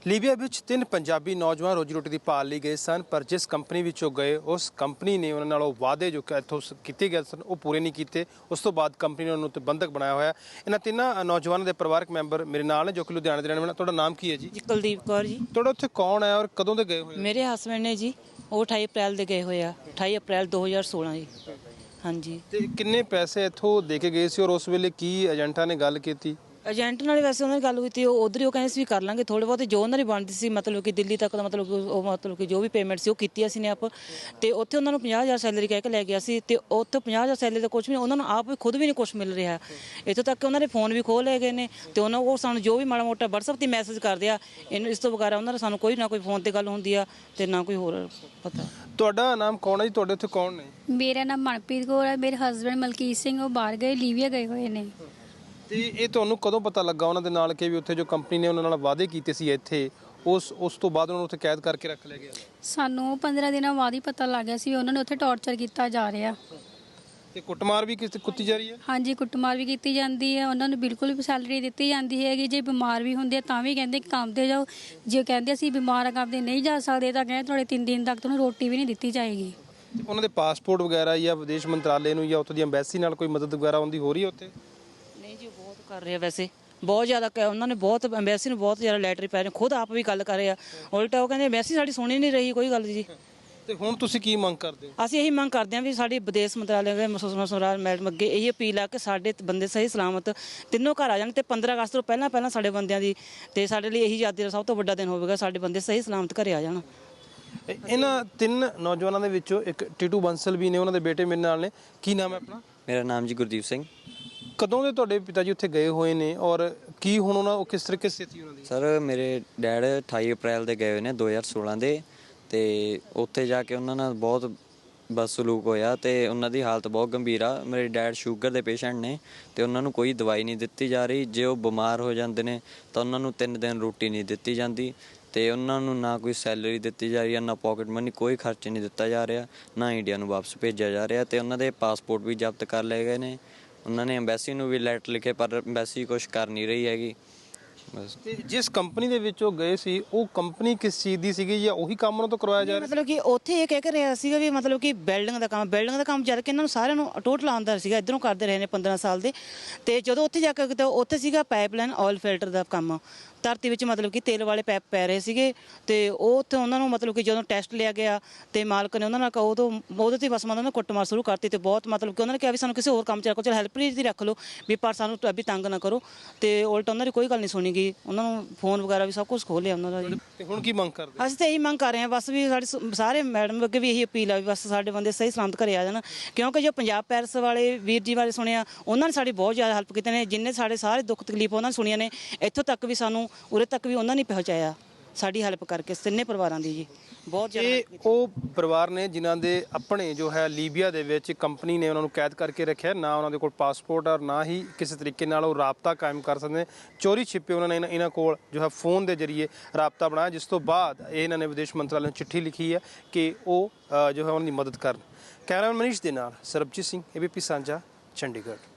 Libya ਵਿੱਚ 3 ਪੰਜਾਬੀ ਨੌਜਵਾਨ ਰੋਜੀ ਰੋਟੀ ਦੀ ਭਾਲ ਲਈ ਗਏ ਸਨ, ਪਰ ਜਿਸ ਕੰਪਨੀ ਵਿੱਚੋਂ ਗਏ ਉਸ ਕੰਪਨੀ ਨੇ ਉਹਨਾਂ ਨਾਲ ਉਹ ਵਾਅਦੇ ਜੋ ਕਿ ਇੱਥੋਂ ਕੀਤੇ ਗਏ ਸਨ ਉਹ ਪੂਰੇ ਨਹੀਂ ਕੀਤੇ। ਉਸ ਤੋਂ ਬਾਅਦ ਕੰਪਨੀ ਨੇ ਉਹਨਾਂ ਨੂੰ ਬੰਧਕ ਬਣਾਇਆ ਹੋਇਆ। ਇਹਨਾਂ ਤਿੰਨਾਂ ਨੌਜਵਾਨਾਂ ਦੇ ਪਰਿਵਾਰਕ ਮੈਂਬਰ ਮੇਰੇ ਨਾਲ ਨੇ ਜੋ ਕਿ ਲੁਧਿਆਣੇ ਦੇ ਰਹਿਣ ਵਾਲੇ। ਤੁਹਾਡਾ ਨਾਮ ਕੀ ਹੈ ਜੀ? ਕੁਲਦੀਪ ਕੌਰ ਜੀ। ਤੁਹਾਡਾ ਉੱਥੇ ਕੌਣ ਹੈ ਔਰ ਕਦੋਂ ਦੇ ਗਏ ਹੋਏ? ਮੇਰੇ ਹਸਬੈਂਡ ਨੇ ਜੀ, ਉਹ 28 ਅਪ੍ਰੈਲ ਦੇ ਗਏ ਹੋਏ ਆ, 28 ਅਪ੍ਰੈਲ 2016 ਜੀ। ਹਾਂਜੀ। ਤੇ ਕਿੰਨੇ ਪੈਸੇ ਇੱਥੋਂ ਦੇ ਕੇ ਗਏ ਸੀ ਔਰ ਉਸ ਵੇਲੇ ਕੀ ਏਜੰਟਾਂ ਨੇ ਗੱਲ ਕੀਤੀ? ਏਜੰਟ ਨਾਲ ਵੈਸੇ ਉਹਨਾਂ ਨੇ ਗੱਲ ਕੀਤੀ, ਉਹ ਉਧਰ ਹੀ ਉਹ ਕਹਿੰਦੇ ਸੀ ਵੀ ਕਰ ਲਾਂਗੇ ਥੋੜ੍ਹੇ ਬਹੁਤ ਜੋ ਉਹਨਾਂ ਦੀ ਬਣਦੀ ਸੀ, ਮਤਲਬ ਕਿ ਦਿੱਲੀ ਤੱਕ ਦਾ ਮਤਲਬ ਕਿ ਜੋ ਵੀ ਪੇਮੈਂਟ ਸੀ ਉਹ ਕੀਤੀ ਅਸੀਂ ਨੇ ਆਪ। ਤੇ ਉੱਥੇ ਉਹਨਾਂ ਨੂੰ 50,000 ਸੈਲਰੀ ਕਹਿ ਕੇ ਲੈ ਗਿਆ ਸੀ, ਤੇ ਉੱਥੇ 50,000 ਸੈਲਰੀ ਦਾ ਕੁਝ ਵੀ ਉਹਨਾਂ ਨੂੰ ਆਪ ਖੁਦ ਵੀ ਨਹੀਂ ਕੁਝ ਮਿਲ ਰਿਹਾ। ਇੱਥੋਂ ਤੱਕ ਉਹਨਾਂ ਦੇ ਫੋਨ ਵੀ ਖੋਹ ਲਏ ਗਏ ਨੇ, ਤੇ ਉਹਨਾਂ ਉਹ ਸਾਨੂੰ ਜੋ ਵੀ ਮਾੜਾ ਮੋਟਾ WhatsApp 'ਤੇ ਮੈਸੇਜ ਕਰਦੇ ਆ, ਇਸ ਤੋਂ ਵਗੈਰਾ ਉਹਨਾਂ ਦਾ ਸਾਨੂੰ ਕੋਈ ਨਾ ਕੋਈ ਫੋਨ 'ਤੇ ਗੱਲ ਹੁੰਦੀ ਆ ਤੇ ਨਾ ਕੋਈ ਹੋਰ ਪਤਾ। ਤੁਹਾਡਾ ਨਾਮ ਕੌਣ ਹੈ ਜੀ? ਤੁਹਾਡੇ ਉੱਥੇ ਕੌਣ ਨੇ? ਮੇਰਾ ਨਾਮ ਮਨਪ੍ਰੀਤ ਕੌਰ ਹੈ। ਮੇਰੇ ਹਸਬੈਂਡ ਮਲਕੀਤ ਸਿੰਘ ਉਹ ਬਾਹਰ ਗਏ, ਲੀਬੀਆ ਗਏ ਹੋਏ ਨੇ। ਤੇ ਇਹ ਤੁਹਾਨੂੰ ਕਦੋਂ ਪਤਾ ਲੱਗਾ ਉਹਨਾਂ ਦੇ ਨਾਲ ਕਿ ਵੀ ਉੱਥੇ ਜੋ ਕੰਪਨੀ ਨੇ ਉਹਨਾਂ ਨਾਲ ਵਾਅਦੇ ਕੀਤੇ ਸੀ ਇੱਥੇ ਉਸ ਤੋਂ ਬਾਅਦ ਉਹਨਾਂ ਨੂੰ ਉੱਥੇ ਕੈਦ ਕਰਕੇ ਰੱਖ ਲਿਆ ਗਿਆ? ਸਾਨੂੰ 15 ਦਿਨਾਂ ਬਾਅਦ ਹੀ ਪਤਾ ਲੱਗ ਗਿਆ ਸੀ ਉਹਨਾਂ ਨੇ ਉੱਥੇ ਟੌਰਚਰ ਕੀਤਾ ਜਾ ਰਿਹਾ। ਤੇ ਕੁੱਟਮਾਰ ਵੀ ਕੀਤੀ ਜਾ ਰਹੀ ਹੈ? ਹਾਂਜੀ, ਕੁੱਟਮਾਰ ਵੀ ਕੀਤੀ ਜਾਂਦੀ ਹੈ। ਉਹਨਾਂ ਨੂੰ ਬਿਲਕੁਲ ਵੀ ਸੈਲਰੀ ਦਿੱਤੀ ਜਾਂਦੀ ਹੈਗੀ। ਜੇ ਬਿਮਾਰ ਵੀ ਹੁੰਦੇ ਤਾਂ ਵੀ ਕਹਿੰਦੇ ਕੰਮ ਤੇ ਜਾਓ, ਜੇ ਕਹਿੰਦੇ ਅਸੀਂ ਬਿਮਾਰ ਆ ਕੰਮ ਤੇ ਨਹੀਂ ਜਾ ਸਕਦੇ ਤਾਂ ਕਹਿੰਦੇ ਤੁਹਾਡੇ 3 ਦਿਨ ਤੱਕ ਤੁਹਾਨੂੰ ਰੋਟੀ ਵੀ ਨਹੀਂ ਦਿੱਤੀ ਜਾਏਗੀ। ਉਹਨਾਂ ਦੇ ਪਾਸਪੋਰਟ ਵਗੈਰਾ ਜਾਂ ਵਿਦੇਸ਼ ਮੰਤਰਾਲੇ ਨੂੰ ਜਾਂ ਉੱਥੋਂ ਦੀ ਐਮਬੈਸੀ ਨਾਲ ਕੋਈ ਮਦਦ ਵਗੈਰਾ ਆਉਂਦੀ ਹੋ ਰਹੀ ਹੈ ਉੱਥੇ? ਨਹੀਂ ਜੀ, ਬਹੁਤ ਕਰ ਰਹੇ ਆ ਵੈਸੇ, ਬਹੁਤ ਜ਼ਿਆਦਾ ਉਹਨਾਂ ਨੇ ਬਹੁਤ ਐਮਬੈਸੀ ਨੂੰ ਬਹੁਤ ਜ਼ਿਆਦਾ ਲੈਟਰ ਪੈ ਰਹੇ, ਖੁਦ ਆਪ ਵੀ ਗੱਲ ਕਰ ਰਹੇ ਆ। ਉਲਟਾ ਉਹ ਕਹਿੰਦੇ ਐਮਬੈਸੀ ਸਾਡੀ ਸੁਣੀ ਨਹੀਂ ਰਹੀ ਕੋਈ ਗੱਲ ਜੀ। ਤੇ ਹੁਣ ਤੁਸੀਂ ਕੀ ਮੰਗ ਕਰਦੇ ਹੋ? ਅਸੀਂ ਇਹੀ ਮੰਗ ਕਰਦੇ ਹਾਂ ਵੀ ਸਾਡੀ ਵਿਦੇਸ਼ ਮੰਤਰਾਲੇ ਦੇ ਸੁਸ਼ਮਾ ਮੈਡਮ ਅੱਗੇ ਇਹੀ ਅਪੀਲ ਆ ਕਿ ਸਾਡੇ ਬੰਦੇ ਸਹੀ ਸਲਾਮਤ ਤਿੰਨੋਂ ਘਰ ਆ ਜਾਣ, ਤੇ 15 ਅਗਸਤ ਤੋਂ ਪਹਿਲਾਂ ਸਾਡੇ ਬੰਦਿਆਂ ਦੀ, ਤੇ ਸਾਡੇ ਲਈ ਇਹੀ ਆਜ਼ਾਦੀ ਦਾ ਸਭ ਤੋਂ ਵੱਡਾ ਦਿਨ ਹੋਵੇਗਾ, ਸਾਡੇ ਬੰਦੇ ਸਹੀ ਸਲਾਮਤ ਘਰੇ ਆ ਜਾਣ। ਇਹਨਾਂ 3 ਨੌਜਵਾਨਾਂ ਦੇ ਵਿੱਚੋਂ ਇੱਕ ਟੀਟੂ ਬੰਸਲ ਵੀ ਨੇ, ਉਹਨਾਂ ਦੇ ਬੇਟੇ ਮੇਰੇ ਨਾਲ ਨੇ। ਕੀ ਨਾਮ ਹੈ ਆਪਣਾ? ਮੇਰਾ ਨਾਮ ਜੀ ਗੁਰਦੀਪ ਸਿੰਘ। ਕਦੋਂ ਦੇ ਤੁਹਾਡੇ ਪਿਤਾ ਜੀ ਉੱਥੇ ਗਏ ਹੋਏ ਨੇ ਔਰ ਕੀ ਹੁਣ ਉਹਨਾਂ ਕਿਸ ਤਰੀਕੇ ਸਥਿਤੀ ਉਹਨਾਂ ਦੀ? ਸਰ ਮੇਰੇ ਡੈਡ 28 ਅਪ੍ਰੈਲ ਦੇ ਗਏ ਹੋਏ ਨੇ 2016 ਦੇ, ਤੇ ਉੱਥੇ ਜਾ ਕੇ ਉਹਨਾਂ ਨਾਲ ਬਹੁਤ ਬਦਸਲੂਕ ਹੋਇਆ ਤੇ ਉਹਨਾਂ ਦੀ ਹਾਲਤ ਬਹੁਤ ਗੰਭੀਰ ਆ। ਮੇਰੇ ਡੈਡ ਸ਼ੂਗਰ ਦੇ ਪੇਸ਼ੈਂਟ ਨੇ ਤੇ ਉਹਨਾਂ ਨੂੰ ਕੋਈ ਦਵਾਈ ਨਹੀਂ ਦਿੱਤੀ ਜਾ ਰਹੀ। ਜੇ ਉਹ ਬਿਮਾਰ ਹੋ ਜਾਂਦੇ ਨੇ ਤਾਂ ਉਹਨਾਂ ਨੂੰ 3 ਦਿਨ ਰੋਟੀ ਨਹੀਂ ਦਿੱਤੀ ਜਾਂਦੀ, ਤੇ ਉਹਨਾਂ ਨੂੰ ਨਾ ਕੋਈ ਸੈਲਰੀ ਦਿੱਤੀ ਜਾ ਰਹੀ ਹੈ, ਨਾ ਪੋਕਟ ਮਨੀ, ਕੋਈ ਖਰਚ ਨਹੀਂ ਦਿੱਤਾ ਜਾ ਰਿਹਾ, ਨਾ ਇੰਡੀਆ ਨੂੰ ਵਾਪਸ ਭੇਜਿਆ ਜਾ ਰਿਹਾ। ਤੇ ਉਹਨਾਂ ਦੇ ਪਾਸਪੋਰਟ ਵੀ ਜ਼ਬਤ ਕਰ ਲਏ ਗਏ ਨੇ। ਉਹਨਾਂ ਨੇ ਐਮਬੈਸੀ ਨੂੰ ਵੀ ਲੈਟਰ ਲਿਖੇ, ਪਰ ਐਮਬੈਸੀ ਕੁਛ ਕਰ ਨਹੀਂ ਰਹੀ ਹੈਗੀ। ਬਸ। ਤੇ ਜਿਸ ਕੰਪਨੀ ਦੇ ਵਿੱਚ ਉਹ ਗਏ ਸੀ ਉਹ ਕੰਪਨੀ ਕਿਸ ਚੀਜ਼ ਦੀ ਸੀਗੀ ਜਾਂ ਉਹੀ ਕੰਮ ਉਹਨਾਂ ਤੋਂ ਕਰਵਾਇਆ ਜਾ ਰਿਹਾ? ਮਤਲਬ ਕਿ ਉੱਥੇ ਇਹ ਕਹਿ ਕੇ ਰਿਹਾ ਸੀਗਾ ਵੀ ਮਤਲਬ ਕਿ ਬਿਲਡਿੰਗ ਦਾ ਕੰਮ ਜਦ ਕਿ ਇਹਨਾਂ ਨੂੰ ਸਾਰਿਆਂ ਨੂੰ ਟੋਟਲ ਆਉਂਦਾ ਸੀਗਾ, ਇੱਧਰੋਂ ਕਰਦੇ ਰਹੇ ਨੇ 15 ਸਾਲ ਦੇ। ਤੇ ਜਦੋਂ ਉੱਥੇ ਜਾ ਕੇ ਉੱਥੇ ਸੀਗਾ ਪਾਈਪਲਾਈਨ ਆਇਲ ਫਿਲਟਰ ਦਾ ਕੰਮ, ਧਰਤੀ ਵਿੱਚ ਮਤਲਬ ਕਿ ਤੇਲ ਵਾਲੇ ਪੈਪ ਪੈ ਰਹੇ ਸੀਗੇ। ਤੇ ਉਹ ਉੱਥੇ ਉਹਨਾਂ ਨੂੰ ਮਤਲਬ ਕਿ ਜਦੋਂ ਟੈਸਟ ਲਿਆ ਗਿਆ ਤੇ ਮਾਲਕ ਨੇ ਉਹਨਾਂ ਨਾਲ ਉਹਦੇ ਤੇ ਬਸ ਮਤਲਬ ਉਹਨਾਂ ਕੁੱਟਮਾਰ ਸ਼ੁਰੂ ਕਰਤੀ। ਤੇ ਬਹੁਤ ਮਤਲਬ ਕਿ ਉਹਨਾਂ ਨੇ ਕਿਹਾ ਵੀ ਸਾਨੂੰ ਕਿਸੇ ਹੋਰ ਕੰਮ 'ਚ ਰੱਖੋ, ਚਲ ਹੈਲਪਰ ਦੀ ਰੱਖ ਲਓ ਵੀ, ਪਰ ਸਾਨੂੰ ਅਭੀ ਤੰਗ ਨਾ ਕਰੋ। ਤੇ ਉਲਟਾ ਉਹਨਾਂ ਦੀ ਕੋਈ ਗੱਲ ਨਹੀਂ ਸੁਣੀ ਗਈ, ਉਹਨਾਂ ਨੂੰ ਫੋਨ ਵਗੈਰਾ ਵੀ ਸਭ ਕੁਝ ਖੋਹ ਲਿਆ ਉਹਨਾਂ ਦਾ ਜੀ। ਤੇ ਹੁਣ ਕੀ ਮੰਗ ਕਰਦੇ? ਅਸੀਂ ਤਾਂ ਇਹੀ ਮੰਗ ਕਰ ਰਹੇ ਹਾਂ ਬਸ ਵੀ ਸਾਡੇ ਸਾਰੇ ਮੈਡਮ ਅੱਗੇ ਵੀ ਇਹੀ ਅਪੀਲ ਆ ਵੀ ਬਸ ਸਾਡੇ ਬੰਦੇ ਸਹੀ ਸਲਾਮਤ ਘਰੇ ਆ ਜਾਣ, ਕਿਉਂਕਿ ਜੋ ਪੰਜਾਬ ਪੈਰਸ ਵਾਲੇ ਵੀਰ ਜੀ ਬਾਰੇ ਸੁਣਿਆ, ਉਹਨਾਂ ਨੇ ਸਾਡੀ ਬਹੁਤ ਜ਼ਿਆਦਾ ਹੈਲਪ ਕੀਤੀ ਨੇ। ਜਿੰਨੇ ਸਾਡੇ ਸਾਰੇ ਦੁੱਖ ਤਕਲੀਫ ਉਹਨਾਂ ਨੇ ਸੁਣੀਆਂ ਨੇ, ਇੱਥੋਂ ਤੱਕ ਵੀ ਸਾਨੂੰ ਉਰੇ ਤੱਕ ਵੀ ਉਹਨਾਂ ਨੇ ਪਹੁੰਚਾਇਆ ਸਾਡੀ ਹੈਲਪ ਕਰਕੇ, ਤਿੰਨੇ ਪਰਿਵਾਰਾਂ ਦੀ ਜੀ ਬਹੁਤ ਜ਼ਿਆਦਾ। ਇਹ ਉਹ ਪਰਿਵਾਰ ਨੇ ਜਿਨ੍ਹਾਂ ਦੇ ਆਪਣੇ ਜੋ ਹੈ ਲੀਬੀਆ ਦੇ ਵਿੱਚ ਕੰਪਨੀ ਨੇ ਉਹਨਾਂ ਨੂੰ ਕੈਦ ਕਰਕੇ ਰੱਖਿਆ। ਨਾ ਉਹਨਾਂ ਦੇ ਕੋਲ ਪਾਸਪੋਰਟ ਔਰ ਨਾ ਹੀ ਕਿਸੇ ਤਰੀਕੇ ਨਾਲ ਉਹ ਰਾਬਤਾ ਕਾਇਮ ਕਰ ਸਕਦੇ ਨੇ। ਚੋਰੀ ਛਿਪੇ ਉਹਨਾਂ ਨੇ ਇਹਨਾਂ ਕੋਲ ਜੋ ਹੈ ਫੋਨ ਦੇ ਜ਼ਰੀਏ ਰਾਬਤਾ ਬਣਾਇਆ, ਜਿਸ ਤੋਂ ਬਾਅਦ ਇਹਨਾਂ ਨੇ ਵਿਦੇਸ਼ ਮੰਤਰਾਲੇ ਨੂੰ ਚਿੱਠੀ ਲਿਖੀ ਹੈ ਕਿ ਉਹ ਜੋ ਹੈ ਉਹਨਾਂ ਦੀ ਮਦਦ ਕਰਨ। ਕੈਮਰਾਮੈਨ ਮਨੀਸ਼ ਦੇ ਨਾਲ ਸਰਬਜੀਤ ਸਿੰਘ, ABP ਸਾਂਝਾ, ਚੰਡੀਗੜ੍ਹ।